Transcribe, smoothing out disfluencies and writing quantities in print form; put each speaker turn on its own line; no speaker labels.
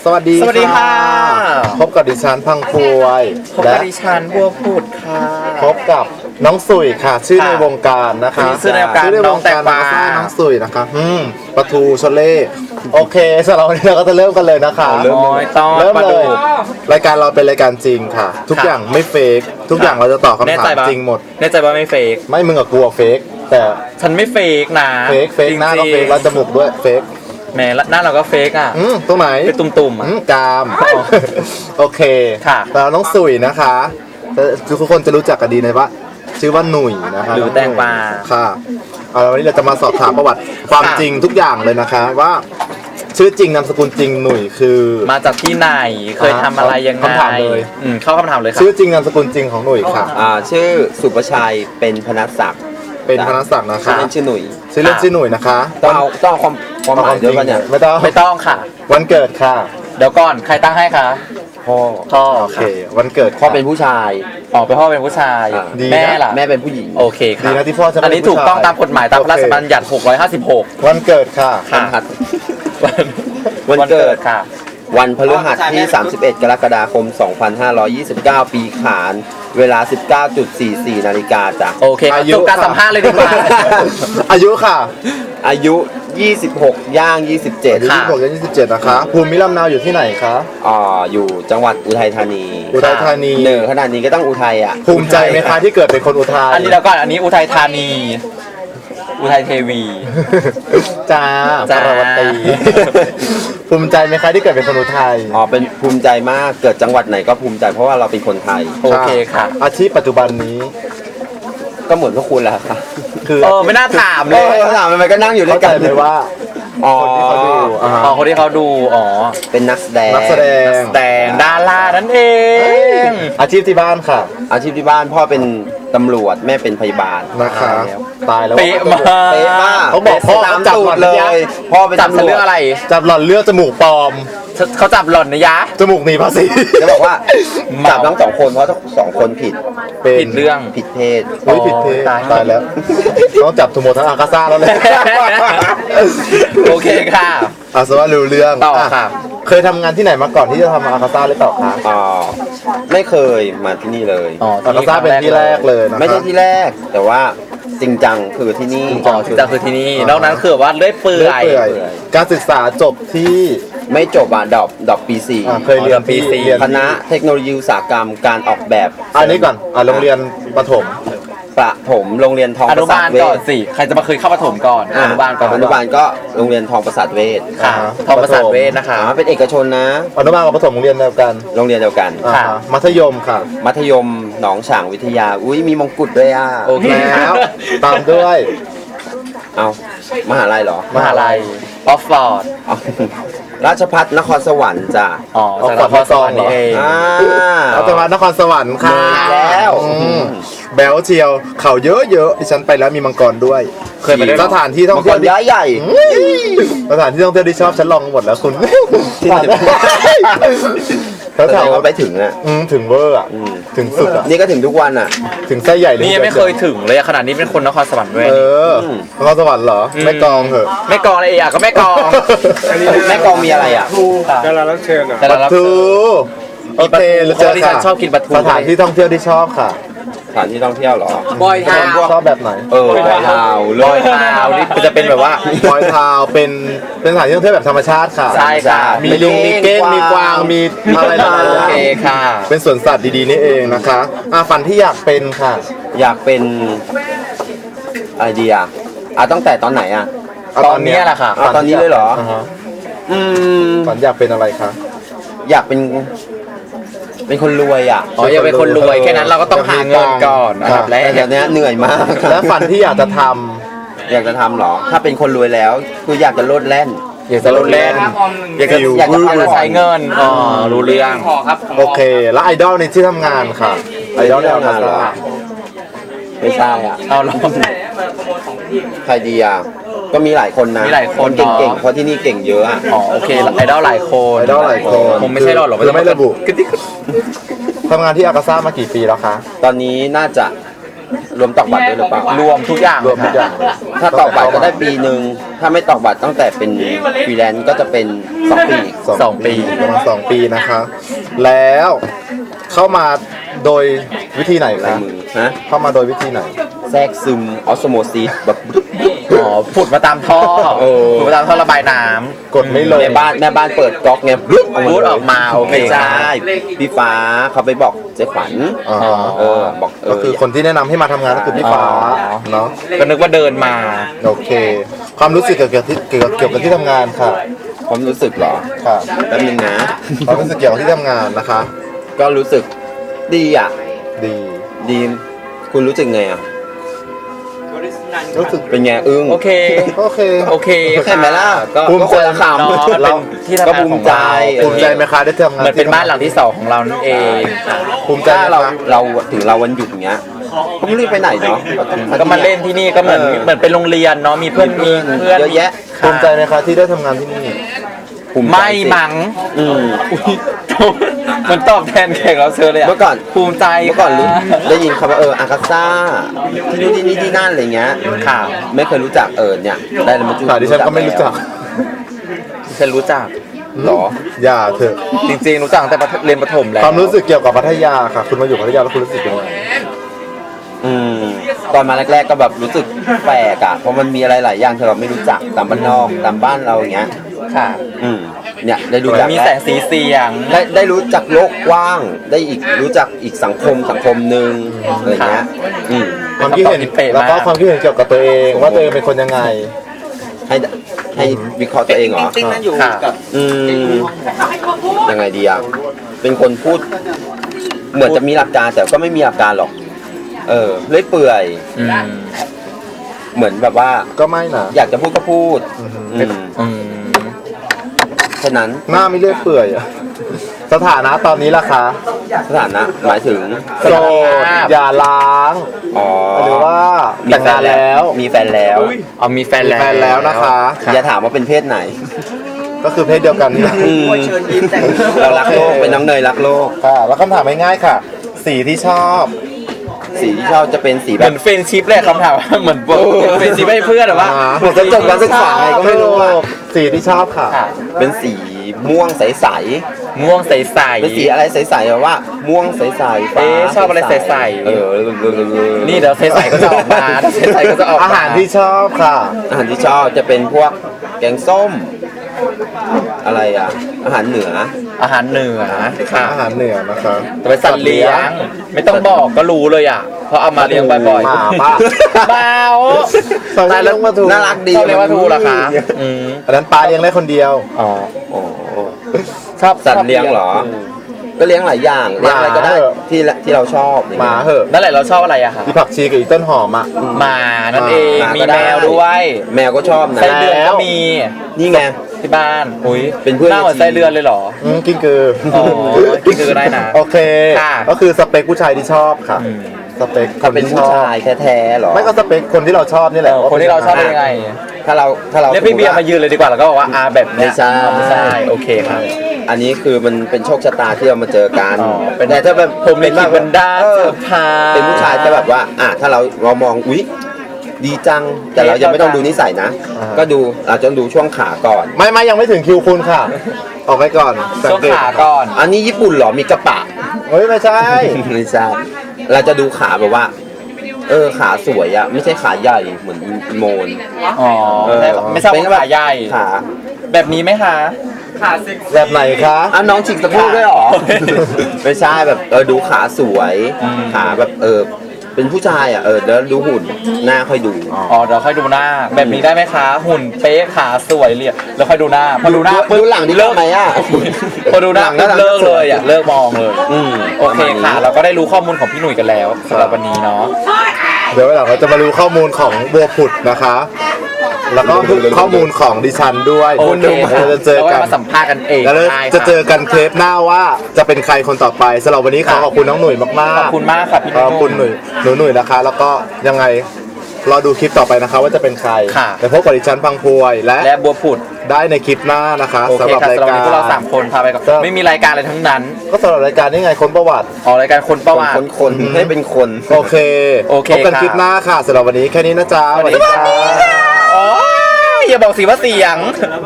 สวัสดีค่ะพบกับดิฉันพังพวย
พบกับดิฉันบัวพูดค่ะ
พบกับน้องสุยค่ะชื่อในวงการนะคะ
ชื่อในวงการน้องแตงกวา
น้องสุยนะคะปะทูชลเล่โอเคสำหรับวันนี้เราก็จะเริ่มกันเลยนะคะ
เริ่ม
เลยรายการเราเป็นรายการจริงค่ะทุกอย่างไม่เฟกทุกอย่างเราจะตอบคำถามจริงหมด
แน่ใจว่าไม่เฟก
ไม่มึงกับกูเฟกแต่
ฉันไม่เฟกนะ
เฟกหน้าก็เฟกแล้วจมูกด้วยเฟก
แม่หน้าเราก็เฟกอ่ะ
ตรงไหน
เป็นตุ่มๆ
กามโอเค
ค่ะ
แล้วน้องสุยนะคะทุกคนจะรู้จักกันดีในว่าชื่อว่าหนุ่ยนะคะ
หรือแตงกวา
ค่ะวันนี้เราจะมาสอบถามประวัติความจริงทุกอย่างเลยนะคะว่าชื่อจริงนามสกุลจริงหนุ่ยคือ
มาจากที่ไหนเคยทำอะไรยังไง
คำถามเลย
เข้าคำถามเลยค่ะ
ชื่อจริงนามสกุลจริงของหนุ่ยค่ะ
ชื่อสุประชัยเป็นพนัสศักดิ์
เป็นพนัสศักดิ์นะคะ
ชื่อหนุ่ย
ชื่อเล่นชื่อหนุ่ยนะคะ
ต้องความหมายด้วยป่ะเนี่ย
ไม่
ต้องค่ะ
วันเกิดค่ะ
เดี๋ยวก่อนใครตั้งให้คะ
พ่อ
โอเควันเกิด
พ่อเป็นผู้ชาย
เป็นพ่อเป็นผู้ชายแม่ล่ะ
แม่เป็นผู้หญิง
โอเคค่ะ
ดีนะที่พ่อจะ
อันนี้ถูกต้องตามกฎหมายตามพระราชบัญญัติ656
วันเกิดค่ะ
วันเกิด
ค่ะ
วันพฤหัสที่31กรกฎาคม2529ปีขานเวลา 19.44 นาฬิกาจ้ะ
โอเคจบการสัมภาษณ์เลยดีกว่า
อายุค่ะ
อายุ26ย่าง27
ค่ะ26ย่าง27นะคะภูมิลำเนาอยู่ที่ไหนคะ
อยู่จังหวัดอุทัยธานีเหนือขนาดนี้ก็ต้องอุทัยอ่ะ
ภูมิใจไหมคะที่เกิดเป็นคนอุทัย
อันนี้แล้วก่อนอันนี้อุทัยธานีอุทัยเทวี
จ้าปรวัตีภูมิใจไหมคะที่เกิดเป็นคนอุทัย
เป็นภูมิใจมากเกิดจังหวัดไหนก็ภูมิใจเพราะว่าเราเป็นคนไทย
โอเคค่ะ
อาชีพปัจจุบันนี้
ก็เหมือนพวกคุณแหละค่ะ
คือไม่น่าถามเลย
ถามทำไมก็นั่งอยู่ด้วยกัน
เลยว่าคนที่เขาดู
คนที่เขาดู
เป็นนักแสด
งดารานั่นเอง
อาชีพที่บ้านค่ะ
อาชีพที่บ้านพ่อเป็นตำรวจแม่เป็นพยาบาล
นะคะตายแล้ว
เป๊ะมาก
เขาบอกพ่อจับหล่อน
เลยพ่อเป็น
จับเรื่องอะไร
จับหล่อนเลือกจมูกปลอม
เขาจับหล่อนนะยะ
จมูกหนีภาษี
จะบอกว่าจับทั้ง2คนเพราะทั้ง2คนผิด
เรื่อง
ผิดเพศ
ผิดเพศตายแล้วต้องจับทุโมทั้งอากาซ่าแล้วเลย
โอเคค่ะ
สวัสดีเรื่อง
ต่อค่ะ
เคยทำงานที่ไหนมาก่อนที่จะทำอากาซ่าหรือเปล่าคะ
ไม่เคยมาที่นี่เลย
อากาซ่าเป็นที่แรกเลยนะ
ไม่ใช่ที่แรกแต่ว่าจริงจังคือที่นี่
จริงจังคือที่นี่นอกนั้นคือว่าเลื่อยเปื่อย
การศึกษาจบที่
ไม่จบดอกปี 4
เคยเรียน
ปี4
คณะเทคโนโลยีอุตสาหกรรมการออกแบบ
อันนี้ก่อนโรงเรียนประถม
โรงเรียนทองประสาทเวช
ใครจะมาเคยเข้าประถมก่อนอนุบาล
ก็โรงเรียนทองประสาทเวช
ทองประสาทเวชนะคะ
เป็นเอกชนนะ
อนุบาลกับประถมโรงเรียนเดียวกันมัธยมค่ะ
มัธยมหนองฉางวิทยามีมงกุฎด้วย
โอเคแล้วตามด้วย
เอามหาลัยเหรอ
มหาลัยออฟฟอร์ด
ราชภัฏนครสวรรค์จ้ะ
นครสวรรค์นี่เอง
ราชภัฏนครสวรรค์ค่ะ
แล้ว
แบลเชียวเขาเยอะๆที่ฉันไปแล้วมีมังกรด้วย
เคยไป
สถานที่ท่องเที่ยว
ใหญ่
สถานที่ท่องเที่ยวที่ชอบฉันลองหมดแล้วคุณ
เขาถามว่าไปถึงอ่ะ
ถึงเวอร์อ่ะถึงสุดอ่ะ
นี่ก็ถึงทุกวันอ่ะ
ถึงไส้ใหญ่เลย
นี่ยังไม่เคยถึงเลยขนาดนี้เป็นคนนครสวรรค์ด้วย
นครสวรรค์เหรอไม่กองเหรอ
ไม่กองอะไรก็ไม่กอง
แม่กองมีอะไรอ่ะ
ดารารับเชิญปลาทูโอเคแล้ว
ที่ฉันชอบกินปลาทู
สถานที่ท่องเที่ยวที่ชอบค่ะ
สถานที่ท่องเที่ยวเหร
อบอยทาว
ชอบแบบไหน
บอยทาว
นี่จะเป็นแบบว่า
บอยทาวเป็นสถานที่ท่องเที่ยวแบบธรรมชาติค่ะ
ใช่ค่ะ
มีลิงมีเก้งมีกวางมีอะไร
โอเคค่ะ
เป็นสวนสัตว์ดีๆนี่เองนะคะฝันที่อยากเป็นค่ะ
อยากเป็นอะไรดีตั้งแต่ตอนไหน
ตอนนี้แหละค่ะ
ตอนนี้เลยเหรอ
ฝันอยากเป็นอะไรคะ
อยากเป็นคนรวย
อยากเป็นคนรวยแค่นั้นเราก็ต้องหาเงินก่อน
นะครับและอย่างนี้เหนื่อยมาก
แล้วฝันที่อยากจะทำ
เหรอถ้าเป็นคนรวยแล้วคืออยากจะโลดแล่น
อยากจะใช้เงินรู้เรื่อง
โอเคแล้วไอดอลในที่ทำงานค่ะไอดอลในงานเหรอ
ไม่ใช่
เอาลอง
ใครดีก็มีหลายคนนะ
มีหลายคน
เก่งเพราะที่นี่เก่งเยอะ
โอเคไอดอลหลายคนคงไม่ใช่หรอก
ไม่ระบุทำงานที่อากาซ่ามากี่ปีแล้วคะ
ตอนนี้น่าจะรวมตอกบัตรด้วยหรือเปล่าร
วมทุกอย่าง
รวมทุกอย่าง
ถ้าตอกบัตรก็ได้ปีหนึ่งถ้าไม่ตอกบัตรตั้งแต่เป็นฟรีแลนซ์ก็จะเป็น2 ปี
2 ปี
ประมาณ2 ปีนะคะ แล้วเข้ามาโดยวิธีไหน
ลาย
คะ
มือฮะ
เข้ามาโดยวิธีไหน
แทรกซึมออสโมซิสแบบ
อ๋อผุดมาตามท่อ
เออ
ผุดมาตามท่อระบายน้
กดไม่ลง
แม่บ้านเปิดก๊อกไง
รูดออกมาโอเค
ไม่ใช่พี่ฟ้าเขาไปบอกเจ๊ขวัญ
อ๋อ
บอก
ก็คือคนที่แนะนำให้มาทำงานก็คือพี่ฟ้าเนาะ
ก็นึกว่าเดินมา
โอเค ความรู้สึกเกี่ยวกับที่ทำงานค่ะ
ความรู้สึกเหรอ
ค่ะ
แป๊บนึงนะ
ความรู้สึกเกี่ยวกับที่ทำงานนะคะ
ก็รู้สึกดีอ่ะ
ดี
ดีคุณรู้สึกไงอ่ะ
รู้สึก
เป็นไงอึ้ง
โอเค
โอเค
โอเค
เห็นไหมล่ะก็
ภูมิ
ก็
ใจ
คนละค
เนาะ
ำ
เราที่ทำ
ก็
งาน
ภู
ขอ
มิ
ง
ใจ
เรา
ภูมิใจไหมคะได้ทำงาน
เหมือนเป็นบ้านหลังที่ 2ของเรานั่นเอง
ภูมิใจ
ถ้า
ไหม
เรา
คะ
เราถึงเราวันหยุดอย่างเงี้ยก็ไม่รีบไปไหนเนาะ
ก็มาเล่นที่นี่ก็เหมือนเป็นโรงเรียนเนาะมีเพื่อนมีเพื่อน
เยอะแยะ
ภูมิใจไหมคะที่ได้ทำงานที่นี่
ภูใจ
ไม่
สิ
มั้ง
อืม
มันตอบแทนแขกเราเชิญเลยอะ
เมื่อก่อน
ภูมิใจ
เมื่อก่อนรู้ได้ยินคำว่าอากาซ่าที่นู่นที่นี่ที่นั่นอะไรเงี้ย
ค่ะ
ไม่เคยรู้จักเนี่ยได้แล้วมาจุ
ค่ะดิฉันก็ไม่รู้จัก
ฉันรู้จัก
หรอ
อย่าเถอะ
จริงๆรู้จักตั้งแต่เรียนประถมแล้ว
ความรู้สึกเกี่ยวกับพัทยาค่ะ คุณมาอยู่พัทยาแล้วคุณรู้สึกยังไง
อืมตอนมาแรกๆก็แบบรู้สึกแปลกเพราะมันมีอะไรหลายอย่างที่เราไม่รู้จักตามบ้านนอกตามบ้านเราอย่างเงี้ย
ค่ะ
เนี่ยได้รู้จัก
มี
แล้ว
แสงสีเสียง
ได้รู้จักโลกกว้างได้อีกรู้จักอีกสังคมหนึ่งอะไรเงี้ยอืม
ความคิดเห็น
เป๊ะมาก
แล้วก็ความคิดเห็นเกี่ยวกับตัวเองว่าตัวเองเป็นคนยังไง
ให้วิเคราะห์ตัวเองเหรอ
ค่ะ
อืมยังไงดีอ่ะเป็นคนพูด เหมือนจะมีหลักการแต่ก็ไม่มีหลักการหรอก เลื่อยเปื่อย
อืม
เหมือนแบบว่า
ก็ไม่นะ
อยากจะพูดก็พูด
อือหือ
อืมฉะนั้น
หน้าไม่เลื่อยเปื่อยอะสถานะตอนนี้ล่ะคะ
สถานะหมายถึง
โสดอย่าล้าง
อ๋อ
หรือว่าแต่งงานแล้ว
มีแฟนแล้ว
อ๋อมีแฟน
มี
แล้ว
แฟนแล้วนะคะ
อย่าถามว่าเป็นเพศไหน
ก็คือเพศเดียวกันนี่แหละ
เรารักโลกเป็นน้องเนยรักโลก
ค่ะแล้วคำถามง่ายๆค่ะ สีที่ชอบ
สีที่ชอบจะเป็นสี
เห
แบ
มื
บ
อนเฟรนชิพเลยคำถามว่าเหมือนบอกเฟรนชิพให้เพื่อนหรือว่า
เหมือนจะจบการศึกษาไงก็ไม่รู้อะ
สีที่ชอบค่ะ
ค่ะ
เป็นสีม่วงใส
ม่วงใส
ๆเป็นสีอะไรใสๆแบบว่า ม่วงใสๆฟ้า
เอ๊ะชอบอะไรใสๆ
ๆ
นี่เดี๋ยวใสๆก็จะออกมาเดี๋ยวใสๆก็จะออกมา
อาหารที่ชอบค่ะ
อาหารที่ชอบจะเป็นพวกแกงส้ม อะไรอ่ะ อาหารเหนือ
อาหารเหนือค่ะ
อาหารเหนือนะคะ
จะเป็นสัตว์เลี้ยง ไม่ต้องบอกก็รู้เลยอ่ะเพราะเอามาเลี้ยงบ่อย
หมาป่ะ
ๆเบา
ตายแล้วมาถูก
น่ารักดี
ชอบเลี้ยงปลาทูเหรอคะอืม
อันนั้นปลาเลี้ยงได้คนเดียว
อ๋อ
โอ้
ชอบ
สัตว์เลี้ยงเหรอ ก็เลี้ยงหลายอย่างเลี้ยงอะไรก็ได้
หมาเหอะ
ที่เราชอบ
หมาเหอะ
นั่นแหละเราชอบอะไรอะคะ
อีผักชีกับอีต้นหอมอ่ะ
หมานั่นเอง
หมา
มี
ก็ได้
แมวด้วย
แมวก็ชอบนะ
ไส้เดือนก็มี
นี่ไง
ที่บ้านอุ้ย
เป็นเพื่อน
หน้าเหมือนไส้เดือนเลยเหรอ
กิ้งกือ
อ๋อกิ้งกือได้นะ
โอเค
ค่ะ
ก็คือสเปคผู้ชายที่ชอบค่ะ
อืม
สเปคค
ถ้าน เป็น
ที่ช
ผู้
อบ
ชายแท้ๆเหรอ
ไม่ก็สเปคคนที่เราชอบนี่แหละ
คนที่เราชอบเป็นยังไง
ถ้าเรา
เรียกพี่เบียร์มายืนเลยดีกว่าแล้วก็บอกว่าแบบเนี้ย
ไม่ใช่
ไม่ใช่โอเคครับ
อันนี้คือมันเป็นโชคชะตาที่เรามาเจอกัน
อ๋อเป็น
แต่ถ้าแบบ
ผมลิขิตบันดาล
เออ
เสื้อผ้า
เป็นผู้ชายจะแบบว่าถ้าเรามองอุ๊ยดีจัง แต่เรายังไม่ต้องดูนิสัยนะ ก็ดูเราจะดูช่วงขาก่อน
ไม่ยังไม่ถึงคิวคุณค่ะ ออกไปก่อนสัง
ช่วง
เกต
ขาก่อน
อันนี้ญี่ปุ่นเหรอมีกระปะ
เฮ้ยไม่ใช่
ไม่ใช่เราจะดูขาแบบว่า ขาสวยอะไม่ใช่ขาใหญ่เหมือนอีโมน
อ๋อไม่ชอบ
เป็น
ขาใหญ่
ขา
แบบนี้ไหมคะขาเซ็ก
แบบไหนคะ
น้องฉีกสะโพกด้วยเหรอ ไม่ใช่แบบดูขาสวย ขาแบบเป็นผู้ชายอ่ะแล้วดูหุ่นหน้าค่อยดู
อ๋อเดี๋ยวค่อยดูหน้า แบบนี้ได้ไหมคะ หุ่นเป๊ะขาสวยเลยแล้วค่อยดูหน้าพอดูหน้า
ดูหลังดีกว่าไหมอ่ะ
พอดูหน้า
หลัง
เลิกเลยอ่ะเลิกมองเลย
อืม
โอเคค่ะ เราก็ได้รู้ข้อมูลของพี่หนุ่ยกันแล้วสำหรับวันนี้เนาะ
เดี๋ยววันหลังเราจะมารู้ข้อมูลของบัวผุดนะคะ แล้วก็ข้อมูลของดิฉันด้วย
โอเค
เราจะเจอกัน
มาสัมภาษณ์กันเอง
แล้วเรา
ได้
จะ
ค่
เจอกันเทปหน้าว่าจะเป็นใครคนต่อไปสำหรับวันนี้ขอขอบคุณน้องหนุ่ยมากๆ
ขอบคุณมากค่ะพี่
ขอบคุณหนุ่ยนะคะ แล้วก็ยังไงรอดูคลิปต่อไปนะคะว่าจะเป็นใคร
ค่ะ
แต่พบกับดิฉันพังพวยและ
และบัวผุด
ได้ในคลิปหน้านะคะ
โอเค
สำหรับ
ค่ะ
ราย
สำหรับ
กา
วัน
ร
นี้พวกเรา3คนพาไปก่อน
ครับ
ไม่มีรายการอะไรทั้งนั้น
ก็สำหรับรายการนี้ไงค้นประวัติ
ออกรายการคนประวัติ
คนให้เป็นคน
โอเค
โอเค
พบกัน
ค่ะ
คลิปหน้าค่ะสำหรับวันนี้แค่นี้นะจ๊ะ
สวัสดีค่ะโอ้ยอย่าบอกสิว่าเสียง